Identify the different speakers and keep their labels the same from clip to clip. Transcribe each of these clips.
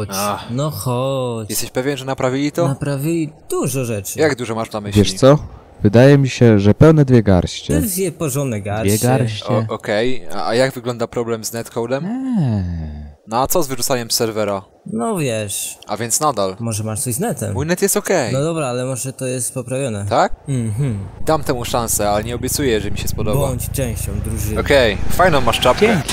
Speaker 1: chodź. No chodź.
Speaker 2: Jesteś pewien, że naprawili to?
Speaker 1: Naprawili dużo rzeczy.
Speaker 2: Jak dużo masz na myśli?
Speaker 3: Wiesz co? Wydaje mi się, że pełne 2 garście.
Speaker 1: Dwie porządne garście.
Speaker 3: 2 garście.
Speaker 2: Okej. A jak wygląda problem z netcodem? No a co z wyrzucaniem z serwera?
Speaker 1: No wiesz,
Speaker 2: A więc nadal.
Speaker 1: może masz coś z netem.
Speaker 2: Mój net jest okej.
Speaker 1: No dobra, ale może to jest poprawione.
Speaker 2: Tak?
Speaker 1: Mhm.
Speaker 2: Dam temu szansę, ale nie obiecuję, że mi się spodoba.
Speaker 1: Bądź częścią drużyny.
Speaker 2: Okej, fajną masz czapkę.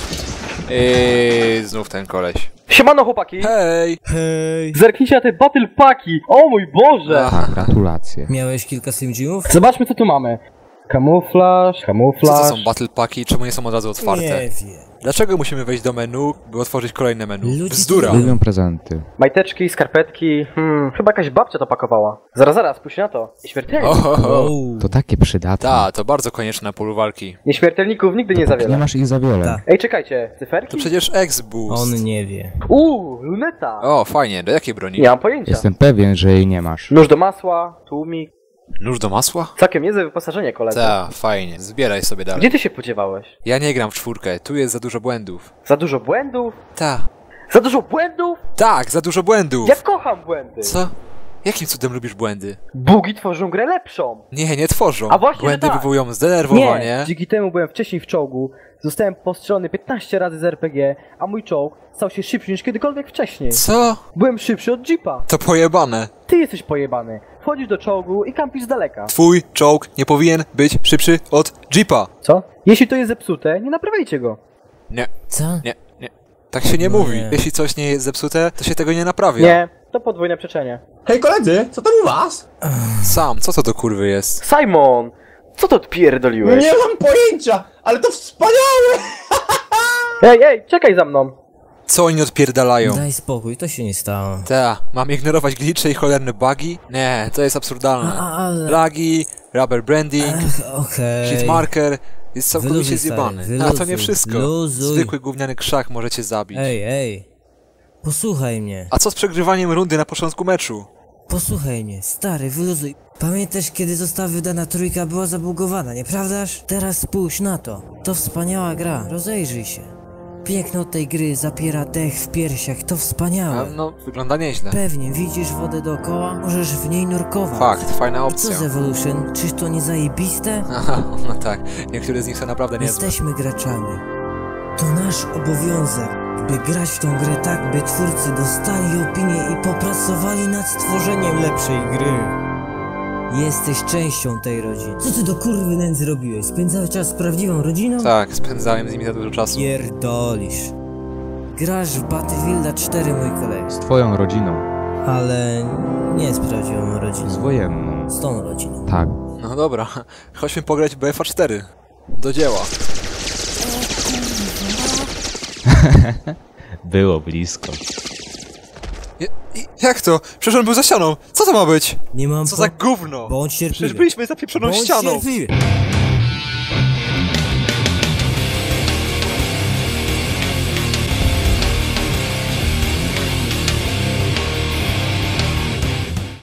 Speaker 2: Znów ten koleś.
Speaker 4: Siemano chłopaki!
Speaker 2: Hej!
Speaker 1: Hej!
Speaker 4: Zerknijcie na te battle paki! O mój Boże!
Speaker 2: Aha.
Speaker 3: Gratulacje.
Speaker 1: Miałeś kilka Slim Jimów?
Speaker 4: Zobaczmy co tu mamy. Kamuflaż,
Speaker 2: Co to
Speaker 4: kamuflaż.
Speaker 2: są battle packi? Czemu nie są od razu otwarte?
Speaker 1: Nie wiem.
Speaker 2: Dlaczego musimy wejść do menu, by otworzyć kolejne menu?
Speaker 1: Ludzie
Speaker 2: Bzdura!
Speaker 1: to
Speaker 3: Lubią prezenty.
Speaker 4: Majteczki, skarpetki. Chyba jakaś babcia to pakowała. Zaraz, spójrz na to. Śmiertelnik.
Speaker 2: Ohoho.
Speaker 3: To takie przydatne.
Speaker 2: To bardzo konieczne na polu walki.
Speaker 4: Nieśmiertelników nigdy nie za
Speaker 3: Nie
Speaker 4: wiele.
Speaker 3: masz ich za wiele.
Speaker 1: Tak.
Speaker 4: Ej, czekajcie, cyferki?
Speaker 2: To przecież X-Boost.
Speaker 1: On nie wie.
Speaker 4: Luneta!
Speaker 2: O, fajnie, do jakiej broni?
Speaker 4: Nie mam pojęcia.
Speaker 3: Jestem pewien, że jej nie masz.
Speaker 4: Nóż do masła, tłumik.
Speaker 2: Nóż do masła?
Speaker 4: Całkiem niezłe wyposażenie, koledzy.
Speaker 2: Fajnie, zbieraj sobie dalej.
Speaker 4: Gdzie ty się podziewałeś?
Speaker 2: Ja nie gram w 4, tu jest za dużo błędów.
Speaker 4: Za dużo błędów?
Speaker 2: Ta.
Speaker 4: Za dużo błędów?
Speaker 2: Tak, za dużo błędów!
Speaker 4: Ja kocham błędy!
Speaker 2: Co? Jakim cudem lubisz błędy?
Speaker 4: Bugi tworzą grę lepszą!
Speaker 2: Nie tworzą.
Speaker 4: A właśnie,
Speaker 2: Błędy
Speaker 4: że tak.
Speaker 2: wywołują zdenerwowanie.
Speaker 4: Nie! Dzięki temu byłem wcześniej w czołgu, zostałem postrzelony 15 razy z RPG, a mój czołg stał się szybszy niż kiedykolwiek wcześniej.
Speaker 2: Co?
Speaker 4: Byłem szybszy od jeepa.
Speaker 2: To pojebane.
Speaker 4: Ty jesteś pojebany. Wchodzisz do czołgu i kampisz z daleka.
Speaker 2: Twój czołg nie powinien być szybszy od Jeepa.
Speaker 4: Co? Jeśli to jest zepsute, nie naprawiajcie go.
Speaker 2: Nie,
Speaker 1: Co?
Speaker 2: nie. Tak się nie
Speaker 1: No
Speaker 2: mówi.
Speaker 1: nie.
Speaker 2: Jeśli coś nie jest zepsute, to się tego nie naprawia.
Speaker 4: Nie, to podwójne przeczenie.
Speaker 5: Hej koledzy, co tam u was?
Speaker 2: Sam, co to do kurwy jest?
Speaker 4: Simon! Co to odpierdoliłeś?
Speaker 5: Nie mam pojęcia, ale to wspaniałe!
Speaker 4: Ej, czekaj za mną!
Speaker 2: Co oni odpierdalają?
Speaker 1: Daj spokój, to się nie stało.
Speaker 2: Mam ignorować glitche i cholerne bugi? Nie, to jest absurdalne.
Speaker 1: Ale...
Speaker 2: Lagi, rubber branding,
Speaker 1: Okej.
Speaker 2: hitmarker jest całkowicie
Speaker 1: Wyluzuj,
Speaker 2: zjebany.
Speaker 1: stary,
Speaker 2: A to nie
Speaker 1: wyluzuj,
Speaker 2: wszystko.
Speaker 1: luzuj.
Speaker 2: Zwykły gówniany krzak możecie zabić.
Speaker 1: Ej. Posłuchaj mnie.
Speaker 2: A co z przegrywaniem rundy na początku meczu?
Speaker 1: Posłuchaj mnie, stary, wyluzuj. Pamiętasz, kiedy została wydana trójka, była zabugowana, nieprawdaż? Teraz spójrz na to. To wspaniała gra, rozejrzyj się. Piękno tej gry zapiera dech w piersiach, to wspaniałe.
Speaker 2: No, wygląda nieźle.
Speaker 1: Pewnie, widzisz wodę dookoła? Możesz w niej nurkować.
Speaker 2: Fakt, fajna
Speaker 1: I co
Speaker 2: opcja.
Speaker 1: z Evolution? Czyż to nie zajebiste?
Speaker 2: Aha, no tak, niektóre z nich są naprawdę niezłe.
Speaker 1: Jesteśmy graczami. To nasz obowiązek, by grać w tą grę tak, by twórcy dostali opinię i popracowali nad stworzeniem lepszej gry. Jesteś częścią tej rodziny. Co ty do kurwy nędzy robiłeś? Spędzałeś czas z prawdziwą rodziną?
Speaker 2: Tak, spędzałem z nimi za dużo czasu.
Speaker 1: Pierdolisz. Grasz w Battlefielda 4, mój kolega.
Speaker 3: Z twoją rodziną.
Speaker 1: Ale nie z prawdziwą rodziną.
Speaker 3: Z wojenną.
Speaker 1: Z tą rodziną.
Speaker 3: Tak.
Speaker 2: No dobra, chodźmy pograć w BFA 4. Do dzieła.
Speaker 3: Było blisko.
Speaker 2: Jak to? Przecież on był za ścianą. Co to ma być?
Speaker 1: Nie mam
Speaker 2: Co za gówno?
Speaker 1: Bądź cierpliwy.
Speaker 2: Przecież byliśmy za pieprzoną
Speaker 1: Bądź
Speaker 2: ścianą.
Speaker 1: cierpliwy.